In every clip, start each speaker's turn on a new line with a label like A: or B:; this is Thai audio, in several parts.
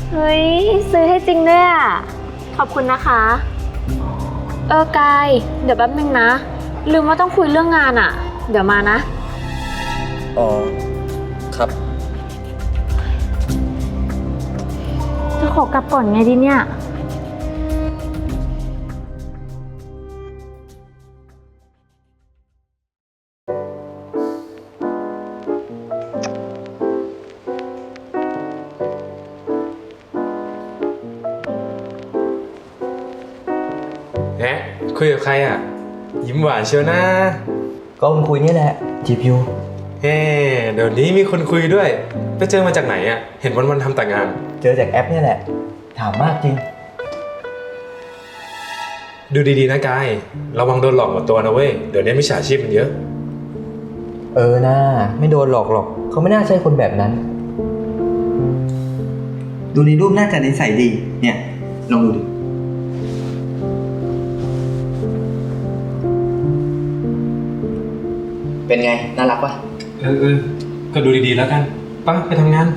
A: เฮ้ยซื้อให้จริงด้วยอ่ะขอบคุณนะคะกายเดี๋ยวแป๊บนึงนะลืมว่าต้องคุยเรื่องงานอ่ะเดี๋ยวมานะ
B: อ๋อครับ
A: จะขอกลับก่อนไงดีเนี่ย
C: แหมคุยกับใครอ่ะยิ้มหวานเชียวนะ
B: ก็คุณคุยนี่แหละจีบอยู่
C: เฮ้เดี๋ยวนี้มีคนคุยด้วยไปเจอมาจากไหนอ่ะเห็นวันๆทำแต่งาน
B: เจอจากแอปนี่แหละถามมากจริง
C: ดูดีๆนะกายระวังโดนหลอกหมดตัวนะเว้ยเดี๋ยวนี้มิจฉาชีพมันเยอะ
B: น่าไม่โดนหลอกหรอกเขาไม่น่าใช่คนแบบนั้นดูในรูปน่าจะนิสัยดีเนี่ยลองดูดิเป็นไงน่ารักปะ
C: ก็ดูดีๆแล้วกันไปไปทำงาน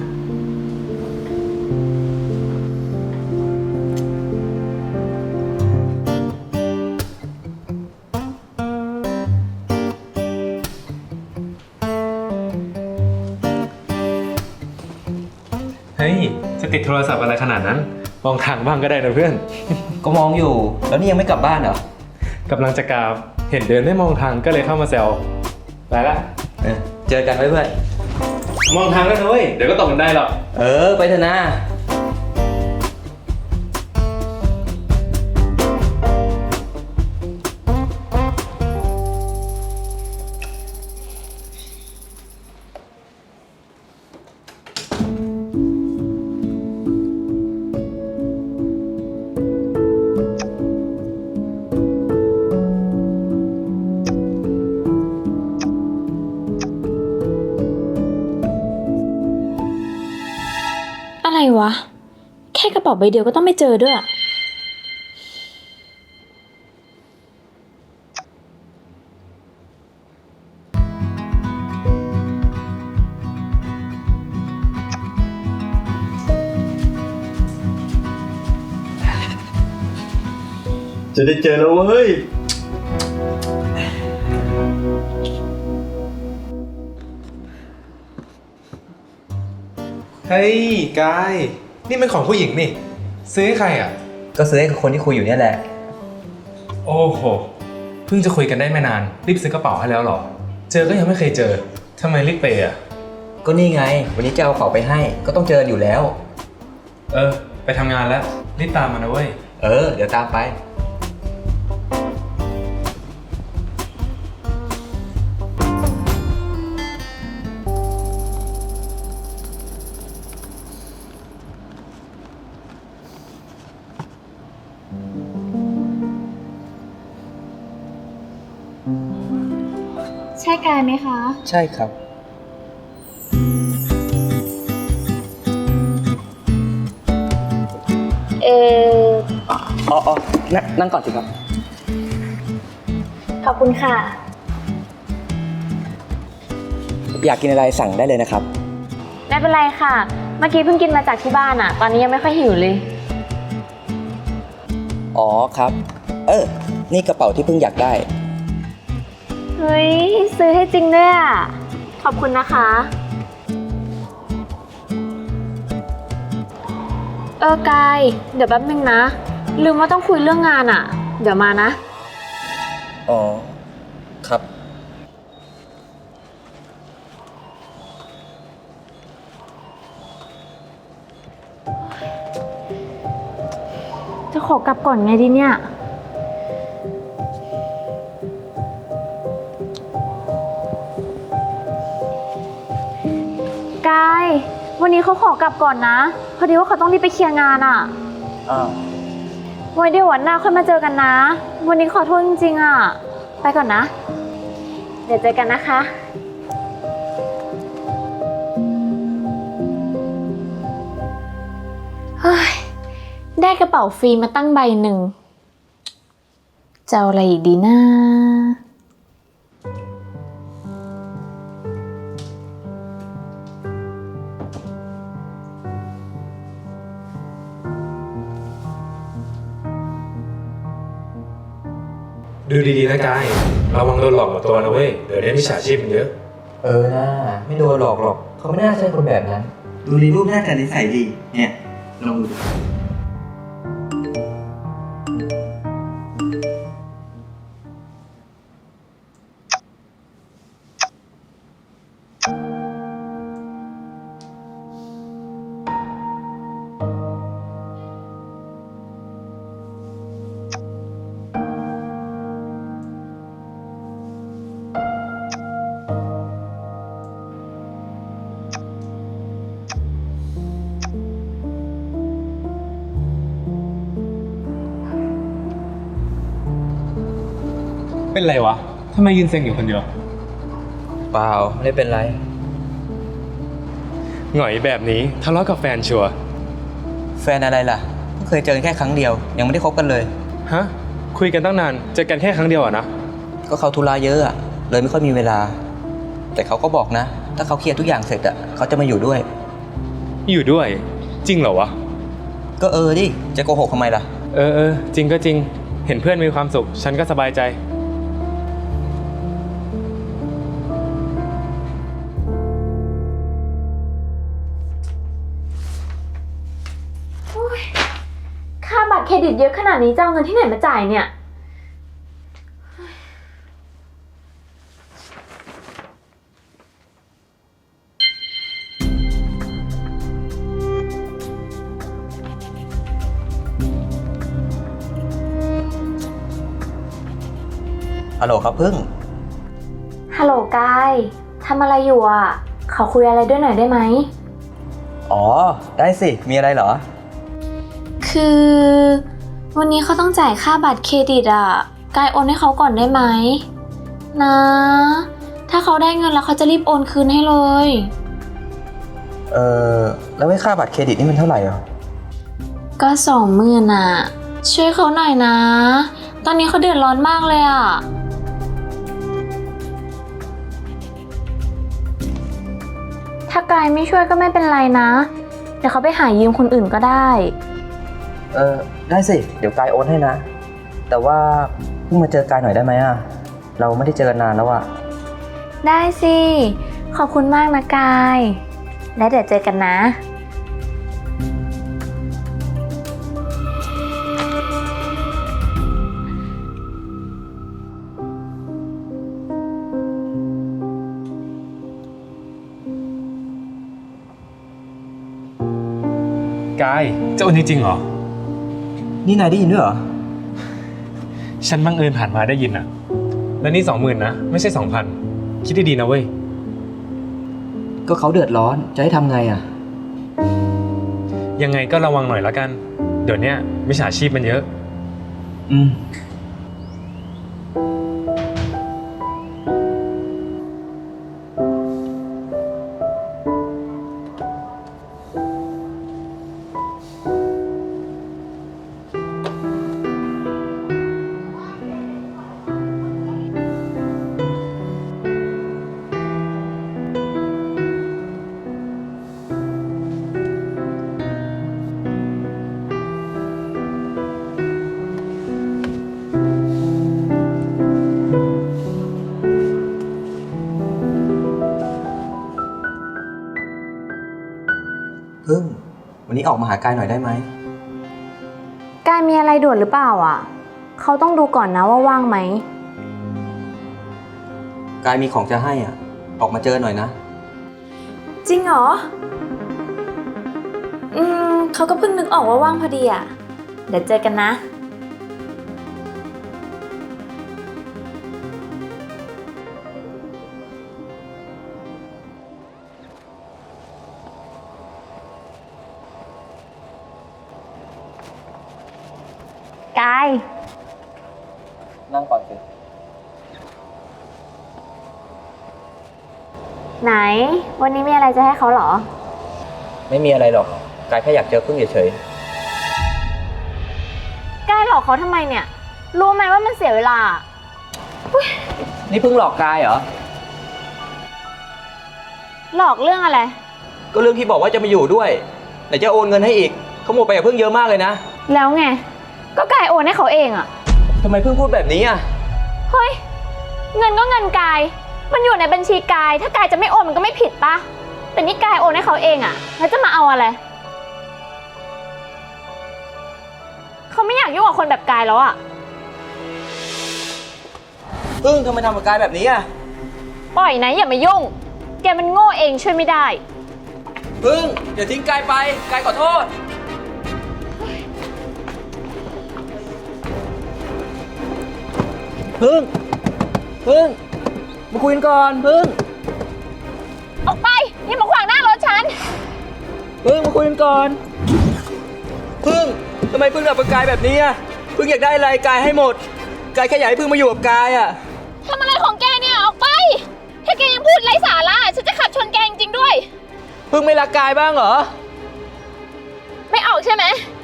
C: เฮ้ยจะติดโทรศัพท์อะไรขนาดนั้นมองทางบ้างก็ได้นะเพื่อน
B: ก็มองอยู่แล้วนี่ยังไม่กลับบ้านเหรอก
C: ำลังจะกลับเห็นเดินไม่มองทางก็เลยเข้ามาแซวไปละ
B: เจอกันไว้เพื่อน
C: มองทางแล้วนะเว้ยเดี๋ยวก็ตกกันได้หรอก
B: ไปเถอะนะ
A: อะไรวะแค่กระเป๋าใบเดียวก็ต้องไม่เจอด้วย
B: จะได้เจอแล้วเว้ย
C: เฮ้ยกายนี่มันของผู้หญิงนี่ซื้อให้ใครอ่ะ
B: ก็ซื้อให้กับคนที่คุยอยู่เนี่ยแหละ
C: โอ้โหเพิ่งจะคุยกันได้ไม่นานรีบซื้อกระเป๋าให้แล้วเหรอเจอก็ยังไม่เคยเจอทำไมรีบเปย์อ่ะ
B: ก็นี่ไงวันนี้จะเอากระเป๋าไปให้ก็ต้องเจออยู่แล้ว
C: ไปทำงานแล้วรีบตามมานะเว้ย
B: เดี๋ยวตามไป
A: ใช่กายไหมคะ
B: ใช่ครับนั่งก่อนสิครับ
A: ขอบคุณค่ะ
B: อยากกินอะไรสั่งได้เลยนะครับ
A: ไม่เป็นไรค่ะเมื่อกี้เพิ่งกินมาจากที่บ้านตอนนี้ยังไม่ค่อยหิวเลย
B: อ๋อครับนี่กระเป๋าที่เพิ่งอยากได้
A: เฮ้ยซื้อให้จริงด้วยอ่ะขอบคุณนะคะกายเดี๋ยวแป๊บนึงนะลืมว่าต้องคุยเรื่องงานอ่ะเดี๋ยวมานะ
B: อ๋อครับ
A: จะขอกลับก่อนไงดีเนี่ยกายวันนี้เขาขอกลับก่อนนะพอดีว่าเขาต้องรีบไปเคลียร์งานอ่ะไว้เดี๋ยววันหน้าค่อยมาเจอกันนะวันนี้ขอโทษจริงๆอ่ะไปก่อนนะเดี๋ยวเจอกันนะคะเฮ้ยได้กระเป๋าฟรีมาตั้งใบหนึ่งจะเอาอะไรอีกดีนะ
C: ดูดีๆนะกายระวังโดนหลอกหมดตัวนะเว้ย เดี๋ยวนี้มิจฉาชีพมันเยอะ
B: เออนะไม่โดนหลอกหรอก เขาไม่น่าใช่คนแบบนั้น
D: ดูในรูปหน้าตานิสัยดี เนี่ยลองดู
C: เป็นไรวะทำไมยืนเซ็งอยู่คนเดียว
B: เปล่าไม่ได้เป็นไร
C: หงอยแบบนี้ทะเลาะกับแฟนชัวร์
D: แฟนอะไรล่ะเพิ่งเคยเจอกันแค่ครั้งเดียว ยังไม่ได้คบกันเลย
C: ฮะ คุยกันตั้งนาน เจอกันแค่ครั้งเดียวอะนะ
D: ก็เขาธุระเยอะอะเลยไม่ค่อยมีเวลา แต่เขาก็บอกนะ ถ้าเขาเคลียร์ทุกอย่างเสร็จอะเขาจะมาอยู่ด้วย
C: อยู่ด้วย จริงเหรอวะ
D: ก็ดิ จะโกหกทำไมล่ะ
C: เออ จริงก็จริง เห็นเพื่อนมีความสุข ฉันก็สบายใจ
A: ค่าบัตรเครดิตเยอะขนาดนี้จะเอาเงินที่ไหนมาจ่ายเนี่ย
D: ฮัลโหลครับพึ่ง
A: ฮัลโหลกายทำอะไรอยู่อ่ะ ขอคุยอะไรด้วยหน่อยได้ไหม
D: อ๋อ ได้สิ มีอะไรเหรอ
A: คือวันนี้เขาต้องจ่ายค่าบัตรเครดิตอ่ะ กายโอนให้เขาก่อนได้ไหมนะ ถ้าเขาได้เงินแล้วเขาจะรีบโอนคืนให้เลย
D: แล้วไอ้ค่าบัตรเครดิตนี่มันเท่าไหร่อ่ะ
A: ก็20,000อ่ะ ช่วยเขาหน่อยนะ ตอนนี้เขาเดือดร้อนมากเลยอ่ะ ถ้ากายไม่ช่วยก็ไม่เป็นไรนะ เดี๋ยวเขาไปหายืมคนอื่นก็ได้
D: ได้สิ เดี๋ยวกายโอนให้นะ แต่ว่าเพิ่งมาเจอกายหน่อยได้ไหมอ่ะ เราไม่ได้เจอกันนานแล้วอ่ะ
A: ได้สิ ขอบคุณมากนะกาย และเดี๋ยวเจอกันนะ
C: กาย จะโอนจริงๆเหรอ
D: นี่นายได้ยินด้วยเหรอ
C: ฉันบังเอิญผ่านมาได้ยินอะแล้วนี่20,000นะ ไม่ใช่ 2,000 คิดดีๆนะเว้ย
D: ก็เขาเดือดร้อน จะให้ทำไงอ่ะ
C: ยังไงก็ระวังหน่อยละกัน เดี๋ยวเนี้ยมิจฉาชีพมันเยอะ
D: อืม พึ่ง วันนี้ออกมาหากายหน่อยได้ไหม
A: กายมีอะไรด่วนหรือเปล่าอ่ะ เขาต้องดูก่อนนะว่าว่างไหม
D: กายมีของจะให้อ่ะ ออกมาเจอหน่อยนะ
A: จริงเหรอ เขาก็เพิ่งนึกออกว่าว่างพอดีอ่ะ เดี๋ยวเจอกันนะ กาย
D: นั่งก่อนสิ
A: ไหน วันนี้มีอะไรจะให้เขาเหรอ
D: ไม่มีอะไรหรอก กายแค่อยากเจอพึ่งเฉย
A: กายหลอกเขาทำไมเนี่ย รู้ไหมว่ามันเสียเวลา
D: ๆ นี่พึ่งหลอกกายเหรอ
A: หลอกเรื่องอะไร
D: ก็เรื่องที่บอกว่าจะมาอยู่ด้วยไหนจะโอนเงินให้อีกเขาหมดไปกับพึ่งเยอะมากเลยนะ
A: แล้วไง ก็กายโอนให้เขาเองอะ
D: ทำไมพึ่งพูดแบบนี้อ่ะ
A: เฮ้ย เงินก็เงินกาย มันอยู่ในบัญชีกาย ถ้ากายจะไม่โอนมันก็ไม่ผิดปะแต่นี่กายโอนให้เขาเองอะแล้วจะมาเอาอะไร เขาไม่อยากยุ่งกับคนแบบกายแล้วอะ
D: พึ่งทำไมทำกับกายแบบนี้อ่ะ
A: ปล่อยนะอย่ามายุ่ง แกมันโง่เองช่วยไม่ได้
D: พึ่งอย่าทิ้งกายไป กายขอโทษ พึ่งมาคุยกันก่อน พึ่ง
A: ออกไปอย่ามาขวางหน้ารถฉัน
D: มาคุยกันก่อน พึ่งทำไมพึ่งทำกับกายแบบนี้อ่ะ พึ่งอยากได้อะไรกายให้หมด กายแค่อยากให้พึ่งมาอยู่กับกายอ่ะ
A: ทำอะไรของแกเนี่ยออกไป ถ้าแกยังพูดไร้สาระฉันจะขับชนแกจริงๆด้วย
D: พึ่งไม่รักกายบ้างเหรอ
A: ไม่ออกใช่ไหม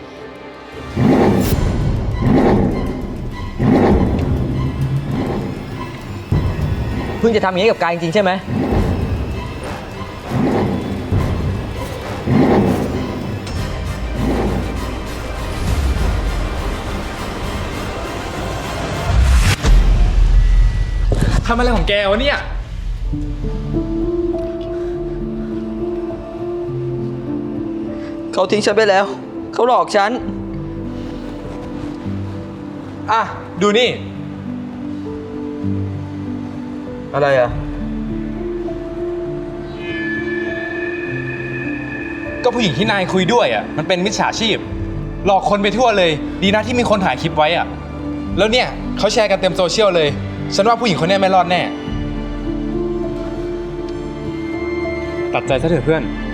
D: พึ่งจะทำอย่างนี้กับกายจริงๆใช่ไหม
C: ทำอะไรของแกวะเนี่ย
D: เขาทิ้งฉันไปแล้ว เขาหลอกฉัน
C: อ่ะ ดูนี่
D: อะไรอ่ะ
C: ก็ผู้หญิงที่นายคุยด้วยอ่ะ มันเป็นมิจฉาชีพ หลอกคนไปทั่วเลย ดีนะที่มีคนถ่ายคลิปไว้อ่ะ แล้วเนี่ยเขาแชร์กันเต็มโซเชียลเลย ฉันว่าผู้หญิงคนนี้ไม่รอดแน่ ตัดใจซะเถอะเพื่อน